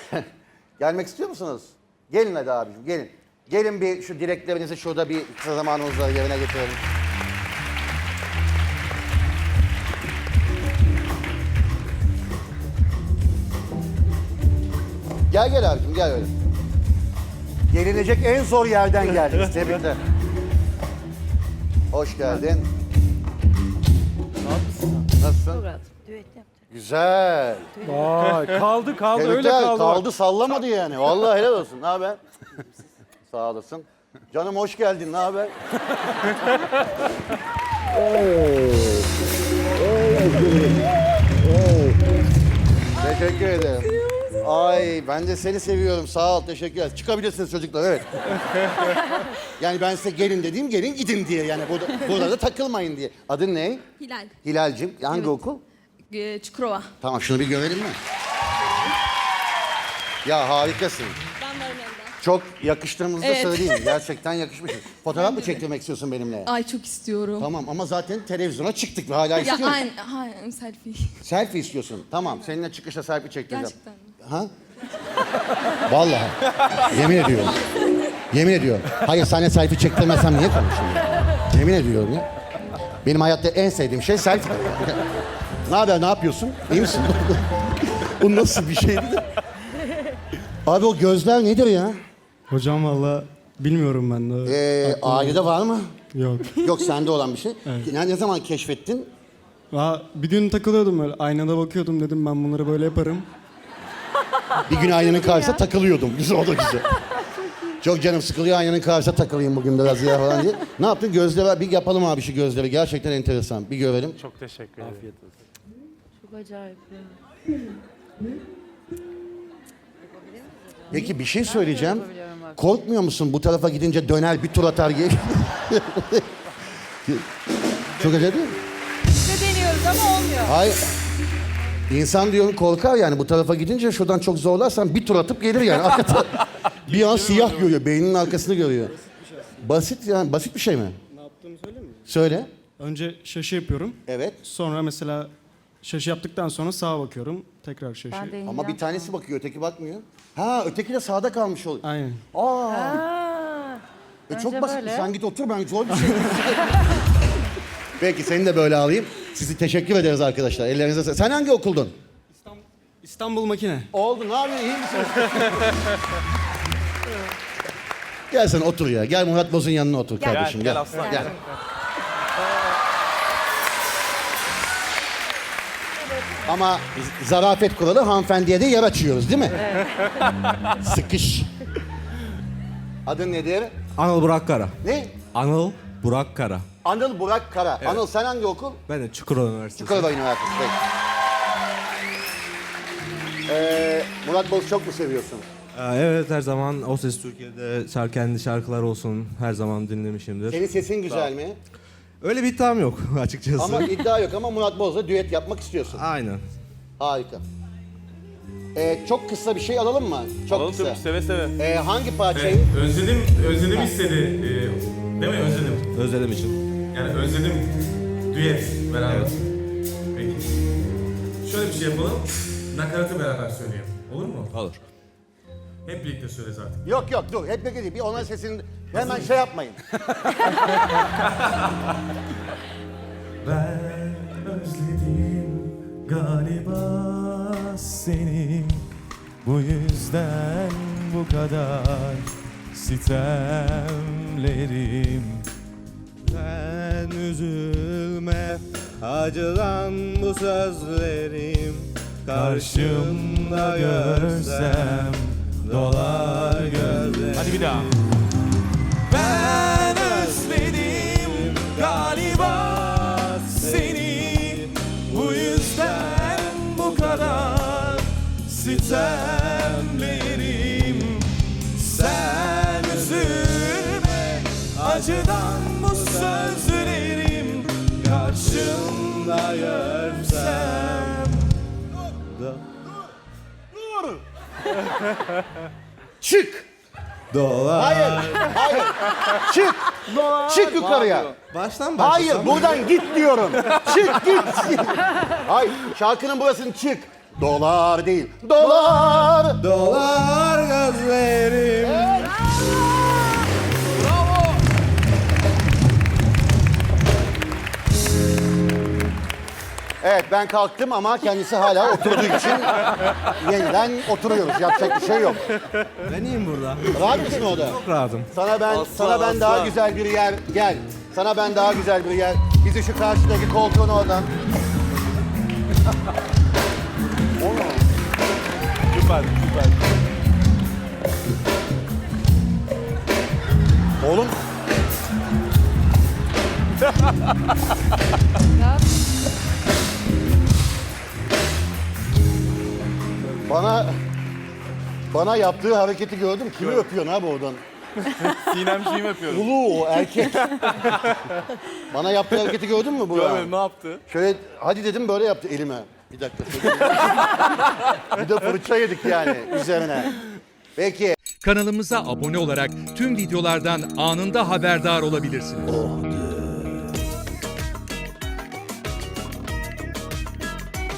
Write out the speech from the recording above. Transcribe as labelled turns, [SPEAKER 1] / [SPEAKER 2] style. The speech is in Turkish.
[SPEAKER 1] Gelmek istiyor musunuz? Gelin hadi abicim, gelin. Gelin bir şu dileklerinizi şurada bir kısa zamanımızda yerine getirelim. Gel abicim, gel öyle. Gelinecek en zor yerden geldiniz. Tebrikler. Hoş geldin. Nasılsın?
[SPEAKER 2] Murat, düet yaptı.
[SPEAKER 1] Güzel.
[SPEAKER 3] Vay, kaldı öyle
[SPEAKER 1] Tebrikler,
[SPEAKER 3] kaldı.
[SPEAKER 1] kaldı sallamadı yani. Vallahi helal olsun. Ne haber? Sağ olasın. Canım hoş geldin. Ne haber? Teşekkür ederim. Ay ben de seni seviyorum. Sağ ol. Teşekkür ederim. Çıkabilirsiniz çocuklar. Evet. Yani ben size gelin dediğim gelin gidin diye. Yani burada da takılmayın diye. Adın ne?
[SPEAKER 2] Hilal.
[SPEAKER 1] Hilal'cim. Hangi
[SPEAKER 2] Evet.
[SPEAKER 1] okul?
[SPEAKER 2] Çukurova.
[SPEAKER 1] Tamam şunu bir görelim mi? Ya harikasın.
[SPEAKER 2] Ben varım yanında.
[SPEAKER 1] Çok yakıştığımızı da
[SPEAKER 2] Evet.
[SPEAKER 1] söyleyeyim. Gerçekten yakışmışız. Fotoğraf mı çektirmek istiyorsun benimle?
[SPEAKER 2] Ay çok istiyorum.
[SPEAKER 1] Tamam ama zaten televizyona çıktık ve hala
[SPEAKER 2] Ya
[SPEAKER 1] istiyorum.
[SPEAKER 2] aynen selfie.
[SPEAKER 1] Selfie istiyorsun. Tamam seninle çıkışta selfie çektireceğim.
[SPEAKER 2] Gerçekten mi?
[SPEAKER 1] Ha? Vallahi. Yemin ediyorum. Yemin ediyorum. Hayır seninle selfie çektirmezsem niye konuşayım ya? Yemin ediyorum ya. Benim hayatta en sevdiğim şey selfie. Ne haber, ne yapıyorsun? İyi misin? Bu nasıl bir şeydi de? Abi o gözler nedir ya?
[SPEAKER 3] Hocam valla bilmiyorum ben de.
[SPEAKER 1] Ailede var mı?
[SPEAKER 3] Yok.
[SPEAKER 1] Yok sende olan bir şey. Ne zaman keşfettin?
[SPEAKER 3] Bir gün takılıyordum öyle. Aynada bakıyordum dedim ben bunları böyle yaparım.
[SPEAKER 1] Bir gün aynanın karşısına takılıyordum. Güzel, o da güzel. Çok canım sıkılıyor, aynanın karşısına takılayım bugün biraz ya falan diye. Ne yaptın? Gözleri bir yapalım abi şu gözleri. Gerçekten enteresan. Bir görelim.
[SPEAKER 4] Çok teşekkür ederim. Afiyet olsun.
[SPEAKER 2] Çok acayip ya.
[SPEAKER 1] Peki bir şey söyleyeceğim. Korkmuyor musun bu tarafa gidince döner bir tur atar gibi? Çok acayip değil mi?
[SPEAKER 2] İşte deniyoruz ama olmuyor.
[SPEAKER 1] Hayır. İnsan diyorum korkar yani bu tarafa gidince şuradan çok zorlarsan bir tur atıp gelir yani. Bir an siyah görüyor, beyninin arkasını görüyor. Basit yani, basit bir şey mi?
[SPEAKER 3] Ne yaptığımı söyleyeyim mi?
[SPEAKER 1] Söyle.
[SPEAKER 3] Önce şaşı yapıyorum.
[SPEAKER 1] Evet.
[SPEAKER 3] Sonra mesela şaşı yaptıktan sonra sağa bakıyorum. Tekrar şaşı.
[SPEAKER 1] Ama bir tanesi bakıyor, öteki bakmıyor. Ha, öteki de sağda kalmış oluyor.
[SPEAKER 3] Aynen.
[SPEAKER 1] Çok basit. Sen git otur, ben zor bir şey. Peki seni de böyle alayım. Sizi teşekkür ederiz arkadaşlar. Ellerinize sağlık. Sen hangi okuldun?
[SPEAKER 3] İstanbul Makine.
[SPEAKER 1] Oldu. Ne yapıyorsun? İyi misin? Gel sen otur ya. Gel Murat Boz'un yanına otur kardeşim.
[SPEAKER 4] Gel aslan.
[SPEAKER 1] Gel. Ama zarafet kuralı hanımefendiye de yer açıyoruz değil mi? Sıkış. Adın nedir?
[SPEAKER 5] Anıl Burak Kara.
[SPEAKER 1] Ne?
[SPEAKER 5] Anıl Burak Kara.
[SPEAKER 1] Anıl Burak Kara. Anıl sen hangi okul?
[SPEAKER 5] Ben de Çukurova Üniversitesi.
[SPEAKER 1] Çukurova Üniversitesi. Peki. Murat Boz çok mu seviyorsun?
[SPEAKER 5] Evet, her zaman O Ses Türkiye'de kendi şarkılar olsun her zaman dinlemişimdir.
[SPEAKER 1] Senin sesin güzel mi?
[SPEAKER 5] Öyle bir iddiam yok açıkçası.
[SPEAKER 1] Ama iddia yok ama Murat Boz'la düet yapmak istiyorsun.
[SPEAKER 5] Aynen.
[SPEAKER 1] Harika. Çok kısa bir şey alalım mı? Çok
[SPEAKER 4] Alalım
[SPEAKER 1] kısa.
[SPEAKER 4] tabii, seve seve.
[SPEAKER 1] Hangi parçayı?
[SPEAKER 6] Özledim istedi. Değil mi özledim?
[SPEAKER 5] Özledim için.
[SPEAKER 6] Yani özledim. Düet beraber. Evet. Peki. Şöyle bir şey yapalım. Nakaratı beraber söyleyelim. Olur mu?
[SPEAKER 5] Olur.
[SPEAKER 6] Hep birlikte söyle zaten.
[SPEAKER 1] Yok dur. Hep birlikte değil. Bir onların sesini hemen şey yapmayın.
[SPEAKER 6] Ben özledim galiba seni. Bu yüzden bu kadar sitemlerim.
[SPEAKER 5] Sen üzülme, acılan bu sözlerim.
[SPEAKER 6] Karşımda görsem dolar gözlerim.
[SPEAKER 4] Hadi bir daha.
[SPEAKER 6] Ben özledim galiba seni. Bu yüzden bu kadar sitemlerim. Sen üzülme, acıdan bu sözlerim. Karşımda görsem.
[SPEAKER 1] Çık!
[SPEAKER 5] Dolar.
[SPEAKER 1] Hayır. Çık! Çık yukarıya.
[SPEAKER 5] Baştan
[SPEAKER 1] Hayır, buradan git diyorum. Çık git. Hayır, şarkının burasını çık. Dolar değil. Dolar.
[SPEAKER 5] Dolar gözlerim.
[SPEAKER 1] Evet ben kalktım ama kendisi hala oturduğu için yeniden oturuyoruz. Yapacak bir şey yok.
[SPEAKER 5] Ben iyiyim burada.
[SPEAKER 1] Rahat mısın orada?
[SPEAKER 5] Çok rahatım.
[SPEAKER 1] Sana ben daha güzel bir yer gel. Sana ben daha güzel bir yer. Bizi şu karşıdaki koltuğun oradan.
[SPEAKER 4] Süper, süper.
[SPEAKER 1] Oğlum bana yaptığı hareketi gördüm. Kimi öpüyorsun abi oradan?
[SPEAKER 4] Sinemciğim yapıyorum.
[SPEAKER 1] Ulu o erkek. Bana yaptığı hareketi gördün mü bu?
[SPEAKER 4] Görmedim, ne yaptı?
[SPEAKER 1] Şöyle hadi dedim böyle yaptı elime. Bir dakika. Bir de fırça yedik yani üzerine. Peki.
[SPEAKER 7] Kanalımıza abone olarak tüm videolardan anında haberdar olabilirsiniz.